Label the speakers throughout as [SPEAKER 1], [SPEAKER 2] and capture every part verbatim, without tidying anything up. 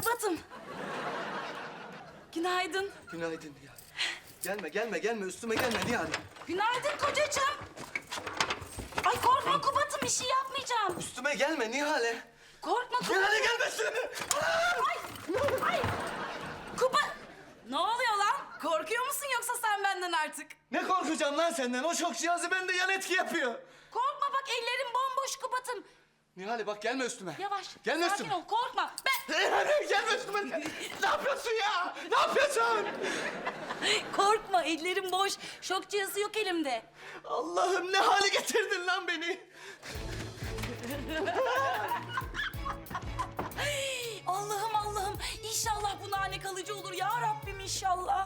[SPEAKER 1] Kubat'ım. Günaydın.
[SPEAKER 2] Günaydın Nihal. Gelme, gelme, gelme. Üstüme gelme Nihal.
[SPEAKER 1] Günaydın kocacığım. Ay korkma Kubat'ım, bir şey yapmayacağım.
[SPEAKER 2] Üstüme gelme Nihal'e.
[SPEAKER 1] Korkma Kubat.
[SPEAKER 2] Nihal'e gelme üstüme.
[SPEAKER 1] Ay, ay. Kubat. Ne oluyor lan? Korkuyor musun yoksa sen benden artık?
[SPEAKER 2] Ne korkacağım lan senden? O şok cihazı bende yan etki yapıyor.
[SPEAKER 1] Korkma bak, ellerim bomboş Kubat'ım.
[SPEAKER 2] Nihal'e bak gelme üstüme.
[SPEAKER 1] Yavaş.
[SPEAKER 2] Gelme
[SPEAKER 1] sakin
[SPEAKER 2] üstüme.
[SPEAKER 1] ol, korkma. Ben...
[SPEAKER 2] Nihal'e gelme üstüme. Ne yapıyorsun ya? Ne yapıyorsun?
[SPEAKER 1] Korkma, ellerim boş. Şok cihazı yok elimde.
[SPEAKER 2] Allah'ım ne hale getirdin lan beni?
[SPEAKER 1] Allah'ım Allah'ım. İnşallah bu nane kalıcı olur ya Rabbim, inşallah.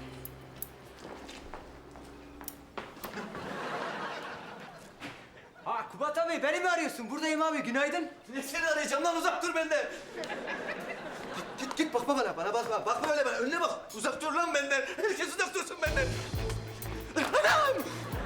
[SPEAKER 3] Ha Kubat abi, beni mi arıyorsun? Buradayım abi, günaydın.
[SPEAKER 2] Ne seni arayacağım lan, uzak dur benden. Git git git bakma bana, bana bakma. Bakma öyle bana, önüne bak. Uzak dur lan benden. Herkes uzak dursun benden. Anam!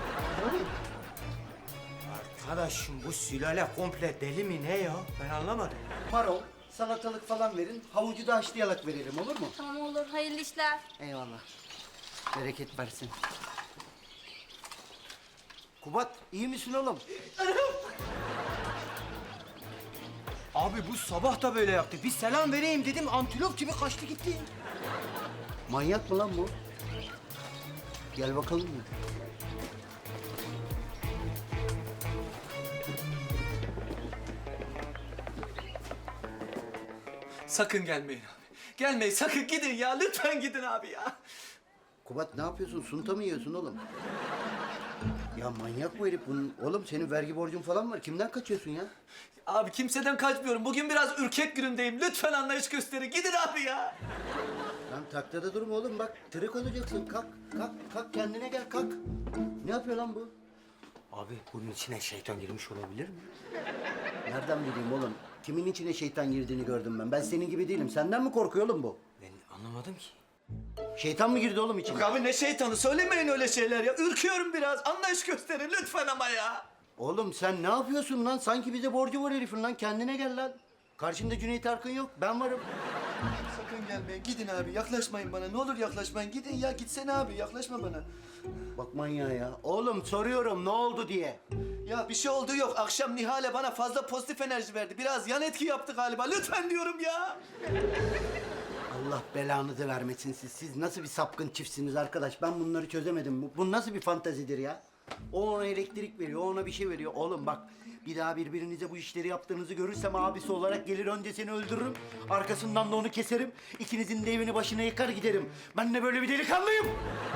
[SPEAKER 3] Arkadaşım bu sülale komple deli mi ne ya? Ben anlamadım.
[SPEAKER 4] Marul, salatalık falan verin. Havucu da haşlayarak verelim, olur mu?
[SPEAKER 5] Tamam olur, hayırlı işler.
[SPEAKER 4] Eyvallah. Bereket versin. Kubat, iyi misin oğlum?
[SPEAKER 3] Abi bu sabah da böyle yaptı. Bir selam vereyim dedim, antilop gibi kaçtı gitti.
[SPEAKER 4] Manyak mı lan bu? Gel bakalım mı?
[SPEAKER 2] Sakın gelmeyin abi. Gelmeyin, sakın gidin ya. Lütfen gidin abi ya.
[SPEAKER 4] Kubat ne yapıyorsun? Sunta mı yiyorsun oğlum? Ya manyak bu herif bunun. Oğlum senin vergi borcun falan var. Kimden kaçıyorsun ya?
[SPEAKER 2] Abi kimseden kaçmıyorum. Bugün biraz ürkek günümdeyim. Lütfen anlayış gösterin. Gidin abi ya.
[SPEAKER 4] Lan taktada durma oğlum bak. Tırık olacaksın. Kalk, kalk, kalk. Kendine gel, kalk. Ne yapıyor lan bu?
[SPEAKER 3] Abi bunun içine şeytan girmiş olabilir mi?
[SPEAKER 4] Nereden bileyim oğlum? Kimin içine şeytan girdiğini gördüm ben. Ben senin gibi değilim. Senden mi korkuyor oğlum bu?
[SPEAKER 3] Ben anlamadım ki.
[SPEAKER 4] Şeytan mı girdi oğlum içine?
[SPEAKER 2] Yok abi ne şeytanı, söylemeyin öyle şeyler ya. Ürküyorum biraz. Anlayış gösterin lütfen ama ya.
[SPEAKER 4] Oğlum sen ne yapıyorsun lan? Sanki bize borcu var herifin lan. Kendine gel lan. Karşında Cüneyt Arkın yok. Ben varım.
[SPEAKER 2] Sakın gelmeyin. Gidin abi. Yaklaşmayın bana. Ne olur yaklaşmayın. Gidin ya. Gitsene abi. Yaklaşma bana.
[SPEAKER 4] Bak manyağa ya. Oğlum soruyorum ne oldu diye.
[SPEAKER 2] Ya bir şey oldu yok. Akşam Nihal'e bana fazla pozitif enerji verdi. Biraz yan etki yaptı galiba. Lütfen diyorum ya.
[SPEAKER 4] Allah belanızı vermesin siz. Siz nasıl bir sapkın çiftsiniz arkadaş? Ben bunları çözemedim. Bu, bu nasıl bir fantazidir ya? O ona elektrik veriyor, o ona bir şey veriyor. Oğlum bak, bir daha birbirinize bu işleri yaptığınızı görürsem abisi olarak gelir önce seni öldürürüm. Arkasından da onu keserim. İkinizin de evini başına yıkar giderim. Ben de böyle bir delikanlıyım.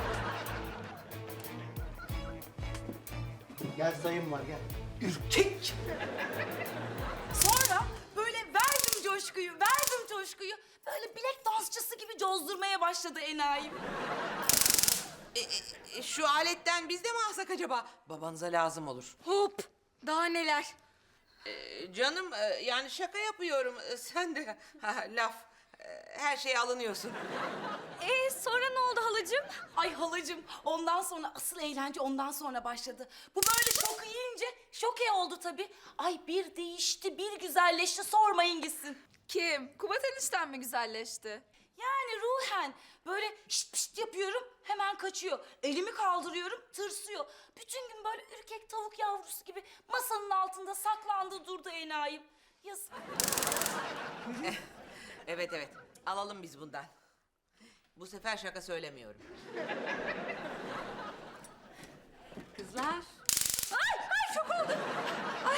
[SPEAKER 4] Gel sayım var gel.
[SPEAKER 2] Ürkek.
[SPEAKER 1] Sonra böyle verdim coşkuyu, verdim coşkuyu. Böyle bilek dansçısı gibi cozdurmaya başladı enayim.
[SPEAKER 6] E, e, şu aletten biz de mi alsak acaba? Babanıza lazım olur.
[SPEAKER 5] Hop, daha neler?
[SPEAKER 6] E, canım e, yani şaka yapıyorum. E, sen de ha, laf. E, her şeye alınıyorsun.
[SPEAKER 5] Ee, sonra ne oldu halacığım?
[SPEAKER 1] Ay halacığım, ondan sonra asıl eğlence ondan sonra başladı. Bu böyle şoku yiyince şoke oldu tabii. Ay bir değişti, bir güzelleşti, sormayın gitsin.
[SPEAKER 5] Kim? Kubat enişten mi güzelleşti?
[SPEAKER 1] Yani ruhen böyle şşt pşt yapıyorum, hemen kaçıyor. Elimi kaldırıyorum, tırsıyor. Bütün gün böyle ürkek tavuk yavrusu gibi masanın altında saklandı durdu enayim. Yazık.
[SPEAKER 6] Evet evet alalım biz bundan. Bu sefer şaka söylemiyorum.
[SPEAKER 5] Kızlar. Ay, ay çok oldu. Ay.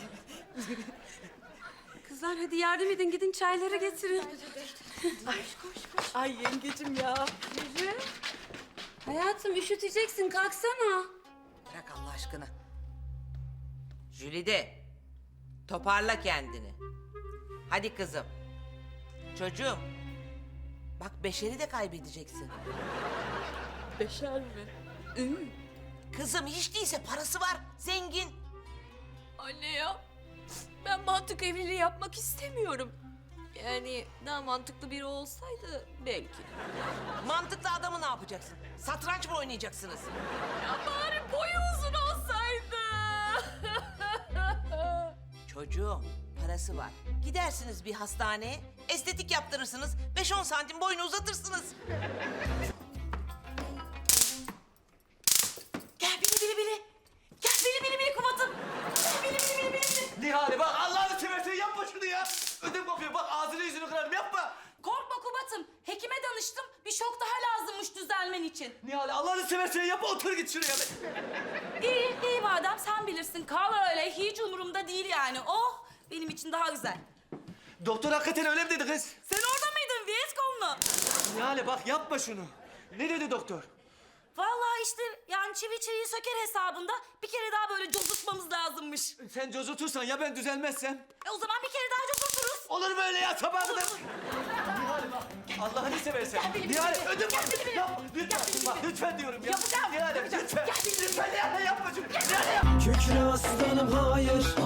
[SPEAKER 5] Kızlar hadi yardım edin, gidin çayları getirin. Ay koş koş.
[SPEAKER 1] Ay yengecim ya.
[SPEAKER 5] Yürü. Hayatım üşüteceksin, kalksana.
[SPEAKER 6] Bırak Allah aşkına. Jülide toparla kendini. Hadi kızım. Çocuğum. Bak Beşer'i de kaybedeceksin.
[SPEAKER 5] Beşer mi?
[SPEAKER 6] Kızım hiç değilse parası var. Zengin.
[SPEAKER 5] Anne ya, ben mantık evliliği yapmak istemiyorum. Yani daha mantıklı biri olsaydı belki.
[SPEAKER 6] Mantıklı adamı ne yapacaksın? Satranç mı oynayacaksınız?
[SPEAKER 5] Ya bari boyu uzun olsaydı.
[SPEAKER 6] Çocuğum Parası var. Gidersiniz bir hastaneye, estetik yaptırırsınız, beş on santim boyunu uzatırsınız.
[SPEAKER 1] Gel bili bili bili. Gel bili bili bili Kubat'ım. Gel bili bili bili bili bili.
[SPEAKER 2] Nihale bak Allah'ını seversen yapma şunu ya. Ödüm kopuyor bak ağzını yüzünü kırarım yapma.
[SPEAKER 1] Korkma Kubat'ım. Hekime danıştım. Bir şok daha lazımmış düzelmen için.
[SPEAKER 2] Nihale Allah'ını seversen yapma otur git şuraya.
[SPEAKER 1] İyi, iyi madem sen bilirsin. Kal öyle. Hiç umurumda değil yani. Oh, benim için daha güzel.
[SPEAKER 2] Doktor hakikaten öyle mi dedi kız?
[SPEAKER 1] Sen orada mıydın Vietcong'lu?
[SPEAKER 2] Nihale bak yapma şunu. Ne dedi doktor?
[SPEAKER 1] Vallahi işte yani çivi çiviyi söker hesabında bir kere daha böyle cozutmamız lazımmış.
[SPEAKER 2] Sen cozutursan ya ben düzelmezsem?
[SPEAKER 1] E o zaman bir kere daha cozuturuz.
[SPEAKER 2] Olur mu öyle ya sabaha kadar? Nihale bak Allah'ını seversen.
[SPEAKER 1] Gel benim
[SPEAKER 2] Nihale
[SPEAKER 1] içime.
[SPEAKER 2] ödüm
[SPEAKER 1] Gel
[SPEAKER 2] bak.
[SPEAKER 1] benim
[SPEAKER 2] Yapma
[SPEAKER 1] içime.
[SPEAKER 2] lütfen
[SPEAKER 1] Gel benim
[SPEAKER 2] bak
[SPEAKER 1] içime.
[SPEAKER 2] lütfen diyorum ya.
[SPEAKER 1] Yapacağım,
[SPEAKER 2] Nihale
[SPEAKER 1] yapacağım.
[SPEAKER 2] lütfen.
[SPEAKER 1] Gel benim
[SPEAKER 2] Lütfen
[SPEAKER 1] içime.
[SPEAKER 2] Nihale yapma şunu. Nihale yapma.
[SPEAKER 7] Kükre aslanım hayır